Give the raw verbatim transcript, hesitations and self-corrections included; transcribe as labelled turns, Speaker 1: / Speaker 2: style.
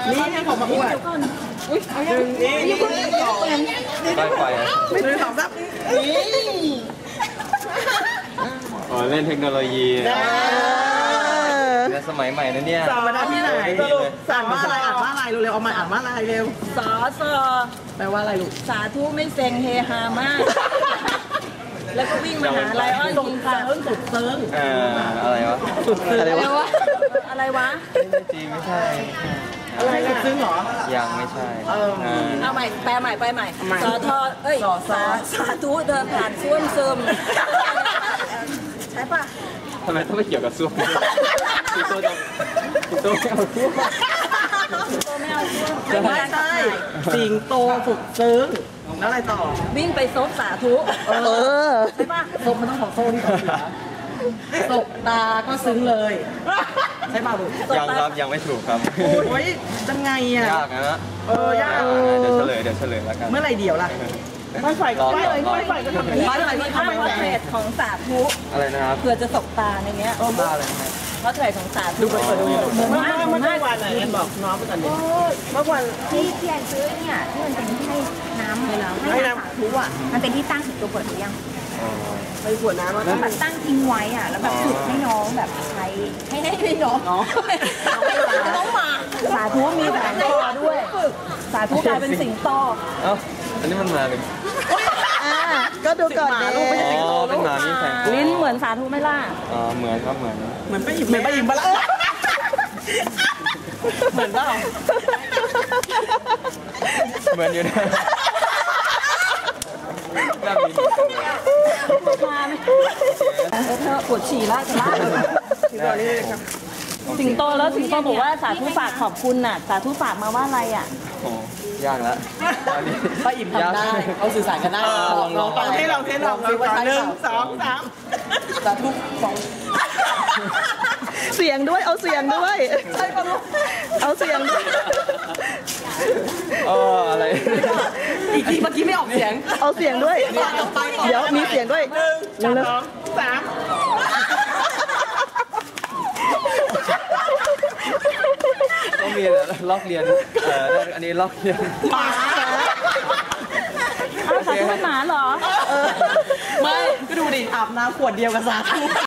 Speaker 1: นี่ให้ผมมาอวดอุ้ยเอาอย่างนี้นี่สอง
Speaker 2: ไปไป
Speaker 1: ไม่ดูสองซับนี่
Speaker 2: อ๋อเล่นเทคโนโลยีเนี่ยสมัยใหม่นะเนี่ย
Speaker 1: สอนมาได้ที่ไหนอ่านว่าอะไรอ่านว่าอะไรเร็วๆเอามาอ่านว่าอะไรเร็ว
Speaker 3: สอสอ
Speaker 1: แปลว่าอะไรลูก
Speaker 3: สาธุไม่เซ็งเฮฮามากแล้วก็วิ่งมาหาไลออนยิงค่ะ
Speaker 1: สุดเซิร์ง
Speaker 2: เอออะไรวะ
Speaker 1: สุดเซิร์ง
Speaker 3: อะไรวะอะไรวะ
Speaker 2: จีไม่ใช่
Speaker 1: อะไรสุดซึ้งเหรอ
Speaker 2: ยังไม่ใช่
Speaker 3: เอาใหม่แปลใหม่ไปใหม่สอทอเอ้ยสาสาธุเดินผ่านส้วมซึมใช่ปะ
Speaker 2: ทำไมต้องไปเกี่ยวกับส้วมพี่โตจะพี่โตไม่เอาส้วม
Speaker 3: พี่โตไม่เอาส้วม
Speaker 1: ไม่ใช่สิงโตสุดซึ้งแล้วอะไรต่อ
Speaker 3: วิ่งไปซบสาธุเออใช่ปะ
Speaker 1: ซบมันต้องของโซ่ที่ก่อนตกตาก็ซึ้งเลยใช่ป่ะลูก
Speaker 2: ยังครับยังไม่ถูกครับ
Speaker 1: โอ้ยจังไงอ่ะ
Speaker 2: ยากนะ
Speaker 1: เออยาก
Speaker 2: เดี๋ยวเฉลยเดี๋ยวเฉลยแล้วกัน
Speaker 1: เมื่อไรเดี๋ยวล่ะไม่ไฟก็ไม่เลยไม่ไฟก็ทำ
Speaker 3: ไม่ไฟมีภาพพอร์เทรตของสาธุ
Speaker 2: อะไรนะครับ
Speaker 3: เผื่อจะตกตาในเนี้ย
Speaker 2: เออบ้าเลยนะ
Speaker 3: พอร์เทรตของสาธุ
Speaker 1: ดูไปเปิดดู
Speaker 3: เหมือนมาก
Speaker 1: เมื่อวันไหนกันบอกน้องเมื่อวันนี้
Speaker 4: เมื่อวันที่พี่แอนซื้อเนี่ยที่มันเป็นที่ให้น้ำให้น้ำให้น้ำสาธุอ่ะมันเป็นที่ตั้งถึงตัวเปิดหรือยัง
Speaker 1: ไปขวดน้ำ
Speaker 4: แล้วแบบตั้งทิ้งไว้อ่ะแล้วแบบสุดให้น้องแบบใช้ให้ให้ให้น้อง
Speaker 3: น้องมา
Speaker 4: สาธุมีแผงคอด้วย
Speaker 3: สาธุกลายเป็นสิงโต
Speaker 2: เอ้าอันนี้มันมาเลย
Speaker 1: ก็ดูก่อนดิ
Speaker 2: อ๋อเป็นหมามีแผง
Speaker 3: ลิ้นเหมือนสาธุไม่ล่า
Speaker 2: อ๋อเหมือนครับเหมือน
Speaker 1: เหมือนไปหยิบเหมือนไปหยิบมาละเหมือนเปล่า
Speaker 2: เหมือนอยู่นะ
Speaker 3: มาไหมเธอปวดฉี่แล้วจะลากสิงโตแล้วสิงโตบอกว่าสาธุฝากขอบคุณน่ะสาธุฝากมาว่าอะไรอ่ะ
Speaker 2: โอ้ยากแล้ว
Speaker 1: ตอนนี้ป้าอิ่มทำได้เขาสื่อสารกันได้ลองลองให้เราเทสลองสิว่าหนึ่งสองสามสาธุสอง
Speaker 3: เสียงด้วยเอาเสียงด้วย
Speaker 1: ใช่ป่ะลูก
Speaker 3: เอาเสียงด้วย
Speaker 2: เอออะไร
Speaker 1: อีกทีเมื่อกี้ไม่ออกเสียง
Speaker 3: เอาเสียงด้วยเดี๋ยวมีเสียงด้วย
Speaker 1: หนึ่งสองสาม
Speaker 2: ต้องมีลอกเรียนเอออันนี้ลอกเรียน
Speaker 1: หมา
Speaker 3: อ้าวสาธุเป็นหมาเหรอ
Speaker 1: ไม่ก็ดูดิอาบน้ำขวดเดียวกับสาธุ